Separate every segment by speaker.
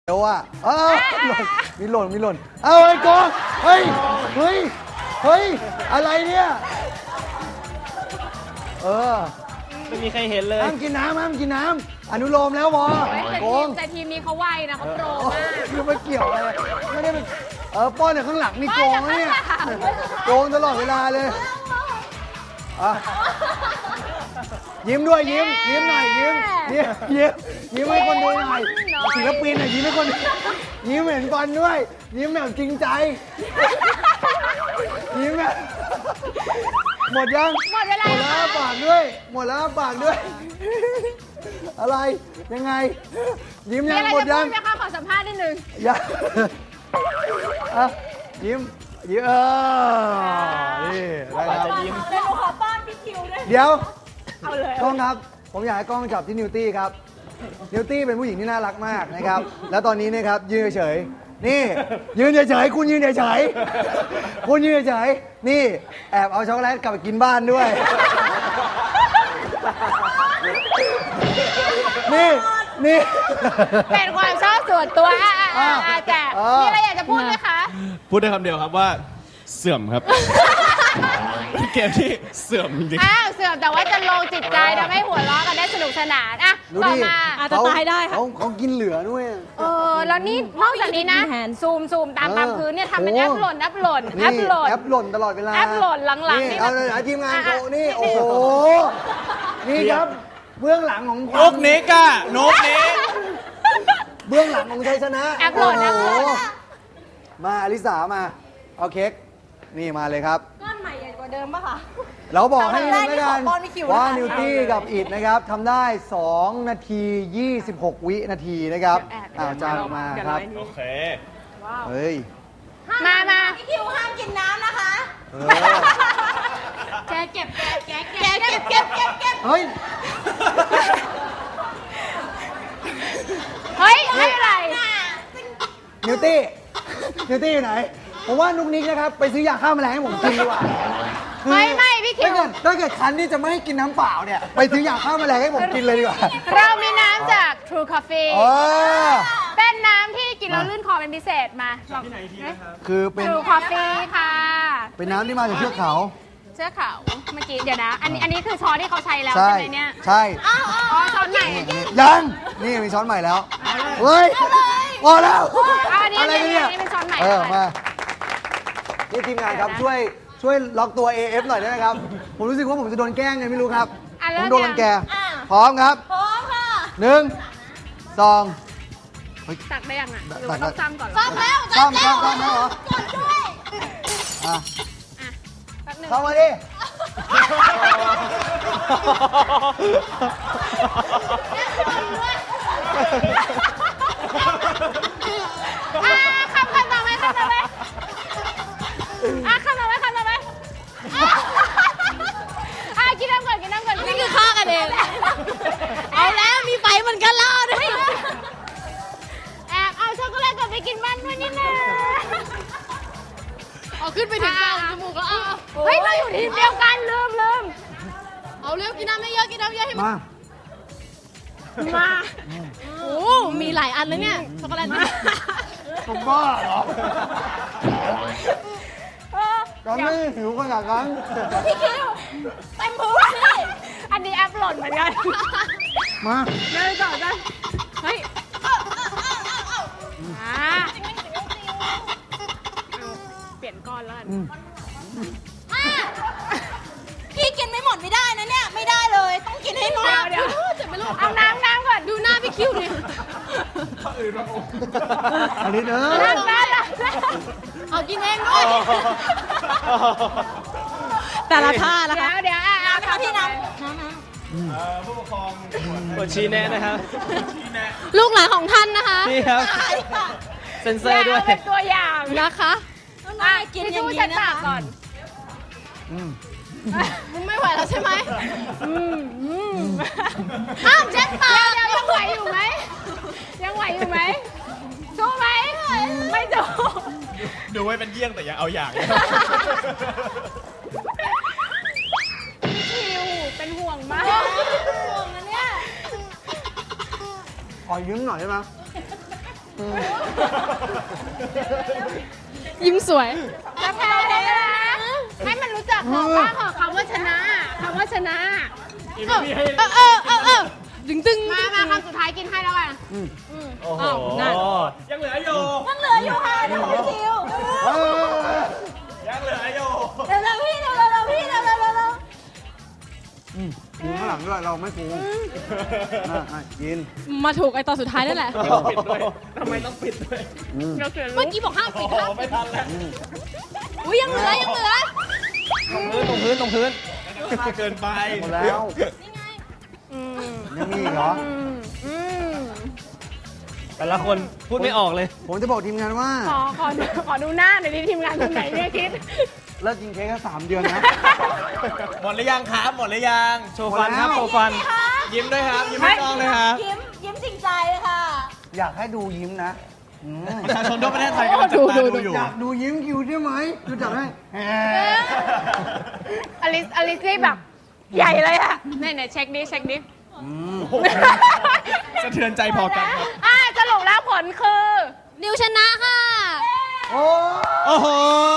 Speaker 1: เดี๋ยวมีหล่นเอาไอ้กองเฮ้ยอะไรเนี่ย
Speaker 2: ไม่มีใครเห็นเลย
Speaker 1: ห้ามกินน้ำอนุโลมแล้ววอโกง
Speaker 3: แต่ทีมนี้เขาไวนะเขาโปรมาก
Speaker 1: ไม่เกี่ยวอะไรไม่ได้เป็นป้อนเนี่ยข้างหลังนี่โกงนะเนี่ยโกงตลอดเวลาเลยยิ้มด้วยยิ้มหน่อยยิ้มให้คนดูหน่อยศิลปินยิ้มให้คนยิ้มเห็นบอลด้วยยิ้มแบบจริงใจยิ้มแบบหมดยัง
Speaker 3: หมดเวลา
Speaker 1: หมดแล้วปากด้วยอะไรยังไงยิ้มยังหมดยัง
Speaker 3: มีอะไรจะพูดไหมคะขอสัมภาษณ์นิดนึง
Speaker 1: ยังยิ้มนี่ได้ครับ
Speaker 3: เดี๋ยวหนูขอป้อนพี่คิวด้วย
Speaker 1: เดี๋ยว
Speaker 3: เอาเลย
Speaker 1: กล้องครับผมอยากให้กล้องจับที่นิวตี้ครับนิวตี้เป็นผู้หญิงที่น่ารักมากนะครับแล้วตอนนี้นะครับยืนเฉยๆนี่ยืนเฉยๆคุณยืนเฉยๆคุณยืนเฉยๆนี่แอบเอาช็อกโกแลตกลับไปกินบ้านด้วยนี่
Speaker 3: เป็นความชอบส่วนตัวแต่มีอะไรอยากจะพูดไหมคะ
Speaker 2: พูดได้คำเดียวครับว่าเสื่อมครับเกมที่เสื่อมจริง
Speaker 3: เสื่อมแต่ว่าจะลงจิตใจทำให้หัวเราะกันได้สนุกสนานต่อมา
Speaker 4: อาจจะตายได้ค่ะ
Speaker 1: เขากินเหลือด้วย
Speaker 3: แล้วนี่นอกจากนี้นะซูมตามพื้นเนี่ยทำเป็นแอปหล่น
Speaker 1: แอปหล่นตลอดเวลา
Speaker 3: แอปหล่นหลังๆนี่
Speaker 1: เอาทีมงานโกนี่โอ้โหนี่ครับเบื้องหลังของ
Speaker 2: นกนิกนกนิก
Speaker 1: เบื้องหลังของชัยชนะ
Speaker 3: แอปหล่น
Speaker 1: มาอลิสามาเอาเค้กนี่มาเลยครับ
Speaker 4: ก้อนใหม่ใหญ่กว่าเดิมป่ะคะ
Speaker 1: เราบอกให้นิดนึงแล้วกันว่านิวตี้กับอิดนะครับทำได้2 นาที 26 วินาทีนะครับจานออกมาครับ
Speaker 2: โอเค
Speaker 1: เฮ้ย
Speaker 3: มา
Speaker 4: พี่คิวห้ามกินน้ำนะคะแกเก็บ
Speaker 1: เฮ้ย
Speaker 3: ไม่เป็นไร
Speaker 1: นิวตี้อยู่ไหนผมว่านุกนิกนะครับไปซื้อยาฆ่าแมลงให้ผมกินดีกว่า
Speaker 3: ไม่พี่คิว
Speaker 1: ถ้าเกิดคันที่จะไม่ให้กินน้ำเปล่าเนี่ยไปซื้อยาฆ่าแมลงให้ผมกินเลยดีกว่า
Speaker 3: เรามีน้ำจาก True Coffee เป็นน้ำที่กินแล้วลื่นคอเป็นพิเศษมา
Speaker 2: ที่ไหนทีนะครับ
Speaker 1: คือเป็น
Speaker 3: True Coffee ค่ะ
Speaker 1: เป็นน้ำที่มาจากเทือกเขา
Speaker 3: เมื่อกี้เดี๋ยวนะอันนี้คือช้อนที่เขาใช้แล้วใช่ไหมเนี่ย
Speaker 1: ใช่
Speaker 3: ช้อนใหม่
Speaker 1: ยังนี่มีช้อนใหม่แล้วเฮ้ยพอแล้ว
Speaker 3: อะไรเนี่ยเป็นช้อนใหม่
Speaker 1: มานี่ทีมงานครับช่วยล็อกตัว AF หน่อยได้ไหมครับผมรู้สึกว่าผมจะโดนแกล้งไงไม่รู้ครับผมโดนรังแกพร้อมครับ
Speaker 4: พร้อมค่ะ
Speaker 1: 1 2
Speaker 3: ตักได้ยังหรือว่าต้องซ้ำก่อน
Speaker 4: ซ้ำแล้ว
Speaker 1: เหรอก
Speaker 4: ดด้วย
Speaker 1: เข้ามาดิ
Speaker 3: คำต่อไปคำต่อไปกินน้ำก่อน
Speaker 4: นี่คือฆ่ากันเองเอาแล้วมีไฟเหมือนกันแล้วด้วย
Speaker 3: แอบเอาช็อกโกแลตกลับไปกินบ้านด้วยนี่นะ
Speaker 4: เอาขึ้นไปถึงกลางจมูกแล้ว
Speaker 3: เราอยู่ทีมเดียวกันลืม
Speaker 4: เอาเร็วกินน้ำไม่เยอะให้มันโอ้มีหลายอันเลยเนี่ยช็อกโกแลต
Speaker 1: ผมบ้าเหรอก็ไม่หิวขนาดนั้น
Speaker 4: พี่คิวเต็มพื้นสิ
Speaker 3: อันนี้แอปหล่นเหมือนกัน
Speaker 1: มา
Speaker 3: เลยต่อกันเฮ้ยเปลี่ยนก้อนแล้ว
Speaker 4: พี่กินไม่หมดไม่ได้นะเนี่ยไม่ได้เลยต้องกินให้หมด
Speaker 3: เดี๋ยวเอาน้ำก่อน
Speaker 4: ดูหน้าพี่คิวดิ
Speaker 1: อันนี้
Speaker 4: เอากินเองด้วยแต่ละท่าละค่ะ
Speaker 3: เดี๋ยว
Speaker 4: พี่น้
Speaker 2: ำผู้ปกครองกดชี้แนะนะครับ
Speaker 4: ลูกหลานของท่านนะคะ
Speaker 2: นี่ครับเซ็นเซอร์ด้วย
Speaker 3: เป็นตัวอย่าง
Speaker 4: นะคะ
Speaker 3: กินอย่างนี้นะคะก่อน
Speaker 4: ไม่ไหวแล้วใช่ไหมห้ามเช็ดปาก
Speaker 3: ยังไหวอยู่ไหมสู้ไหมไม่สู้
Speaker 2: ดูไว้เป็นเยี่ยงแต่อย่าเอาอย่าง
Speaker 3: คิวเป็นห่วงมาก
Speaker 4: ห่วงนะเนี่ย
Speaker 1: ขอยืมหน่อยได้ไหม
Speaker 4: ยิ้มสวย
Speaker 3: จะแพ้เลยนะให้มันรู้จักของบ้างเหรอคำว่าชนะคำว่าชนะ
Speaker 4: ดึงดึง
Speaker 3: มาคำสุดท้ายกินให้แล้วกัน
Speaker 2: โอ้โห
Speaker 4: นั่น
Speaker 2: ยังเหลืออยู่
Speaker 4: ยังเหลืออยู่ค่ะเดี๋ยวพี่คิว
Speaker 2: ยังเหลืออยู่
Speaker 4: เร็วๆพี่เร็วๆพี่เร็วๆ
Speaker 1: กินข้างหลังด้วยเราไม่ฟูกิน
Speaker 4: มาถูกไอตอนสุดท้ายนั่นแหละ
Speaker 2: ปิดด้วยทำไมต้องปิดด้วย
Speaker 4: เมื่อกี้บอกห้ามปิด
Speaker 2: โอ้โหไม่ทันแล้ว
Speaker 4: อุ้ยยังเหลือยังเหลือ
Speaker 2: ตรงพื้นมากเกินไป
Speaker 1: หมดแล้วยังมีอีกเหรอ
Speaker 2: แต่ละคนพูดไม่ออกเลย
Speaker 1: ผมจะบอกทีมงานว่า
Speaker 3: ขอดูหน้าหน่อยดิทีมงานคนไหนเนี่ยคิด
Speaker 1: เลิกกินเค้กแค่3 เดือนนะ
Speaker 2: หมดหรือยังครับหมดหรือยังโชว์ฟันครับ
Speaker 1: หมดแล้ว
Speaker 2: โชว์ฟัน ยิ้มด้วยครับ ยิ้มให้กล้องเลยครับ
Speaker 4: ยิ้มจริงใจค่ะ
Speaker 1: อยากให้ดูยิ้มนะ
Speaker 2: ประชาชนทั่วประเทศไทยกำลังจับตาดูอยู่
Speaker 1: อยากดูยิ้มคิวได้ไหมดูจับให้
Speaker 3: อลิสนี่แบบใหญ่เลยอะเนี่ยเช็คดิ
Speaker 2: สะเทือนใจพอกันครับ
Speaker 3: สรุปแล้วผลคือ
Speaker 4: นิวชนะค่ะ
Speaker 1: โอ้
Speaker 2: โอ้โห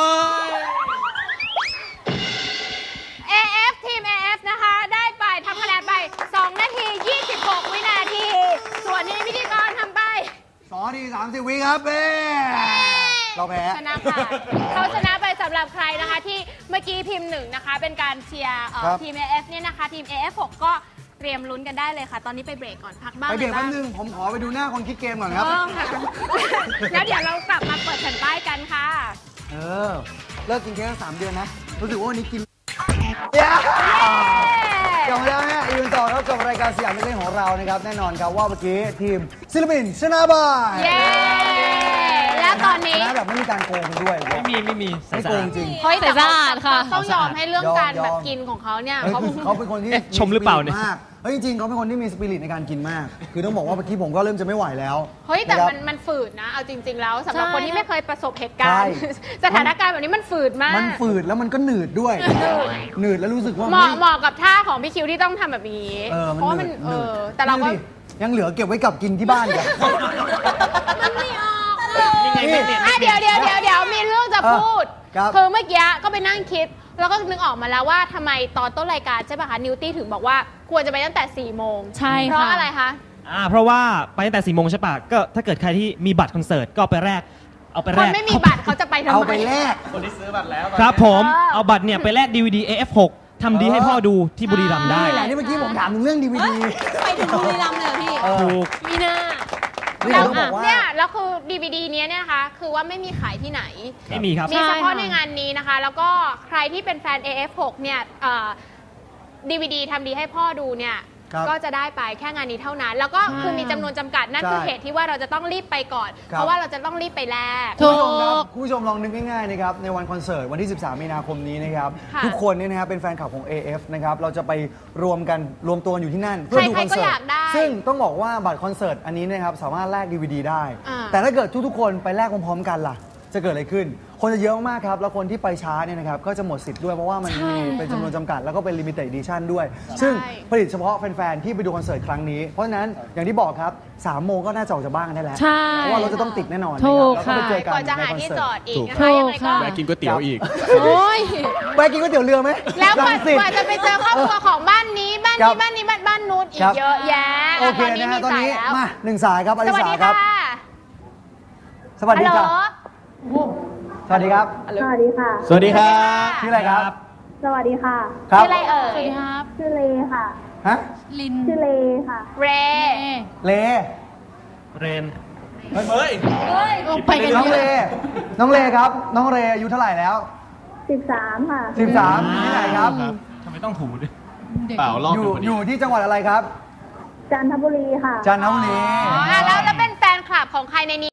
Speaker 3: AF ทีม AF นะคะ ได้ไปทำคะแนนไป 2 นาที 26 วินาที ส่วนนี้พิธีกรทำไป
Speaker 1: 2 นาที 30 วิครับเป้เราแพ้
Speaker 3: ชนะค่ะ เขาชนะไปสำหรับใครนะคะที่เมื่อกี้พิมพ์1นะคะ เป็นการเชียร์
Speaker 1: ครับ
Speaker 3: ทีม AF เนี่ยนะคะ ทีม AF6 ก็เตรียมลุ้นกันได้เลยค่ะ ตอนนี้ไปเบรกก่อนพักบ้าง
Speaker 1: ไปเบรก
Speaker 3: ลย
Speaker 1: แป๊
Speaker 3: บ้า
Speaker 1: บ
Speaker 3: ง
Speaker 1: นึงผมขอไปดูหน้าคนคิดเกมก่อนครับ
Speaker 3: ค่ะ แล้วเดี๋ยวเรากลับมาเปิดแผ่นป้ายกันค่ะ
Speaker 1: เลิกกินเค้กแค่3 เดือนนะ รู้สึกว่าวันนี้กินจบแล้วฮะอีกต่อครับกับรายการสยามเล่นของเรานะครับ แน่นอนครับว่าเมื่อกี้ทีมศิลปินชนะบาย
Speaker 3: เย้ และตอนนี้
Speaker 1: ชนะแบบไม่มีการโกงด้วย
Speaker 2: ไม่มี
Speaker 1: ไม่โกงจริง
Speaker 3: เฮ้ยแต่
Speaker 4: สะอาดค่ะ
Speaker 3: ต้องยอมให้เรื่องการ
Speaker 1: ยอม
Speaker 3: แบบกินของเขาเนี่ย
Speaker 1: เฮ้ย เขาเป็นคนที่
Speaker 2: ชมหรือเปล่าเนี่ย
Speaker 1: มากเฮ้ยจริงๆเขาเป็นคนที่มีสปิริตในการกินมาก คือต้องบอกว่าเมื่อกี้ผมก็เริ่มจะไม่ไหวแล้ว
Speaker 3: เฮ้ยแต่
Speaker 1: ะครับ
Speaker 3: มันฝืดนะ เอาจริง ๆ แล้วสำหรับ
Speaker 4: ใช่
Speaker 3: คนที่ไม่เคยประสบเหตุการณ์
Speaker 1: ใช่
Speaker 3: สถานการณ์แบบนี้มันฝืดมาก
Speaker 1: มันฝืดแล้วมันก็หนืดด้วย หนืดแล้วรู้สึกว่า
Speaker 3: เหมาะกับท่าของพี่คิวที่ต้องทำแบบนี้ เพราะว่ามัน
Speaker 1: หนืด
Speaker 3: แต่เราก็
Speaker 1: นี่ดิยังเหลือเก็บไว้กลับกินที่บ้านกัน
Speaker 3: มันไม่ออก
Speaker 2: นี่ไงไม่เน็ต
Speaker 3: เดี๋ยวมีเรื่องจะพูด
Speaker 1: ครับ
Speaker 3: คือเมื่อกี้ก็ไปนั่งคิด แล้วก็นึกออกมาแล้วว่าทำไมตอนต้นรายการใช่ป่ะคะนิวตี้ถึงบอกว่าควรจะไปตั้งแต่4 โมง
Speaker 4: ใช่ค่ะ
Speaker 3: เพราะอะไรคะ
Speaker 5: เพราะว่าไปตั้งแต่4 โมงใช่ปะก็ถ้าเกิดใครที่มีบัตรคอนเสิร์ตก็เอาไปแลกเอาไป
Speaker 3: ค
Speaker 5: แล
Speaker 3: น
Speaker 5: ก
Speaker 3: ไม่มีบัตรเขาจะไปทำไม
Speaker 1: เอาไปแลก
Speaker 2: คนที่ซื้อบัตรแล้ว
Speaker 5: ครับผม
Speaker 3: เออ
Speaker 5: เอาบัตรเนี่ยไปแลก DVD AF6 ทำดีให้พ่อดูที่บุรีรัมย์ได้
Speaker 1: นี่แหละที่เมื่อกี้ผมถามถึงเรื่องดีวีดี
Speaker 4: ไปถึงบุรีรัมย์เลยเหรอพี่
Speaker 5: ถูก
Speaker 3: มีหน้า
Speaker 1: นี่ต้องบอกว่า
Speaker 3: เนี่ยแล้วคือ DVD เนี้ยเนี่ยนะคะคือว่าไม่มีขายที่ไหน
Speaker 5: ไม่มีครับ
Speaker 3: มีเฉพาะ
Speaker 4: ใช่ค่ะ
Speaker 3: ในงานนี้นะคะ แล้วก็ใครที่เป็นแฟน AF6 เนี่ยDVD ทำดีให้พ่อดูเนี่ย
Speaker 1: ครับ
Speaker 3: ก็จะได้ไปแค่งานนี้เท่านั้น แล้วก็คือมีจำนวนจำกัดนั่น
Speaker 1: ใช่
Speaker 3: คือเหตุที่ว่าเราจะต้องรีบไปก่อน
Speaker 1: ครับ
Speaker 3: เพราะว่าเราจะต้องรีบไปแลก
Speaker 4: ถู
Speaker 1: คุณผู้ชมครับ
Speaker 4: ก
Speaker 1: คุณผู้ชมลองนึกง่ายๆนะครับในวันคอนเสิร์ตวันที่ 13 มีนาคมนี้นะครับ
Speaker 3: ค่ะ
Speaker 1: ทุกคนเนี่ยนะครับเป็นแฟนคลับของ AF นะครับเราจะไปรวมตัวกันอยู่ที่นั่นเพื่อดู
Speaker 3: ใค
Speaker 1: ค
Speaker 3: ร
Speaker 1: อน
Speaker 3: ๆก็
Speaker 1: เสิ
Speaker 3: อ
Speaker 1: ร์
Speaker 3: ยา
Speaker 1: ต
Speaker 3: กได้
Speaker 1: ซึ่งต้องบอกว่าบัตรคอนเสิร์ตอันนี้นะครับสามารถแลก DVD ได้
Speaker 3: อ่า
Speaker 1: แต่ถ้าเกิดทุกๆคนไปแลกพร้อมๆกันล่ะ จะเกิดอะไรขึ้น คนจะเยอะมากครับ แล้วคนที่ไปช้าเนี่ยนะครับก็จะหมดสิทธิ์ด้วยเพราะว่ามันมีเป็นจำนวนจำกัดแล้วก็เป็น limited edition ด้วย ซึ่งผลิตเฉพาะแฟนๆที่ไปดูคอนเสิร์ตครั้งนี้ เพราะฉะนั้นอย่างที่บอกครับ3 โมงก็น่าจะออกจากบ้านกันได้แล้ว
Speaker 4: ใช่
Speaker 1: เพราะว่ารถจะต้องติดแน่นอน
Speaker 4: ถูก
Speaker 1: นะครับแล้วก็ไปเจอกัน
Speaker 3: ก่อนจะ
Speaker 1: ใน
Speaker 3: หา
Speaker 1: คอน
Speaker 3: ที่
Speaker 1: เสิ
Speaker 3: จ
Speaker 1: ร์
Speaker 3: อ
Speaker 1: ต
Speaker 3: ดอีกนะ
Speaker 4: ถู
Speaker 3: คะ
Speaker 4: ก
Speaker 3: ยังไงก็
Speaker 4: ค่ะ
Speaker 2: แวะกินก๋วยเตี๋ยวอีก
Speaker 4: โอ้ย
Speaker 1: แวะกินก๋วยเตี๋ยวเรือไหม
Speaker 3: แล้วกว่า
Speaker 1: รังสิต
Speaker 3: จะไปเจอครอบครัวของบ้านนี้บ้าน
Speaker 1: ครั
Speaker 3: นี้
Speaker 1: บ
Speaker 3: บ้านนี้บ้านนู้นอี
Speaker 1: ครั
Speaker 3: ก
Speaker 1: บ
Speaker 3: เยอะแยะ
Speaker 1: โอเค
Speaker 3: ตอนนี้
Speaker 1: นะฮะ
Speaker 3: มี
Speaker 1: ตอน
Speaker 3: สาย
Speaker 1: นี้
Speaker 3: แล้ว
Speaker 1: มา1 สายครับอ
Speaker 3: ส
Speaker 1: ลิ
Speaker 3: วัส
Speaker 1: สา
Speaker 3: ดี
Speaker 1: ครั
Speaker 3: ค่ะ
Speaker 1: บ สวัสดี
Speaker 3: ฮัลโหล
Speaker 1: ค่ะสวัสดีครับ
Speaker 6: สวัสดีค่ะ
Speaker 2: สวัสดีครับ
Speaker 1: ชื่ออะไรครับ
Speaker 6: สวัสดีค่ะ
Speaker 1: ครับ
Speaker 3: ชื่ออะไรเอ่
Speaker 4: สวัส
Speaker 3: ย
Speaker 4: ดีครับ
Speaker 6: ชื่อเลค่ะ
Speaker 1: ฮะ
Speaker 4: ลิน
Speaker 6: ชื่อเลค่ะ
Speaker 3: เร
Speaker 1: เล
Speaker 5: เรน
Speaker 2: เฮ้ย
Speaker 4: ไปกัน
Speaker 1: น้อง
Speaker 4: เย
Speaker 1: เล
Speaker 4: อะ
Speaker 1: น้องเลครับ น้องเลอายุเท่าไหร่แล้ว
Speaker 6: 13 ค่ะ
Speaker 1: 13ที่ไหนครับ
Speaker 5: ทำไมต้องถูด้วย
Speaker 2: เปล่าลอก
Speaker 1: อยู่
Speaker 2: ดูพอดี
Speaker 1: อยู่ที่จังหวัดอะไรครับ
Speaker 6: จันทบุรีค่ะ
Speaker 1: จันทบุรี
Speaker 3: อ๋อแล้วเป็นแฟนคลับของใครในนี้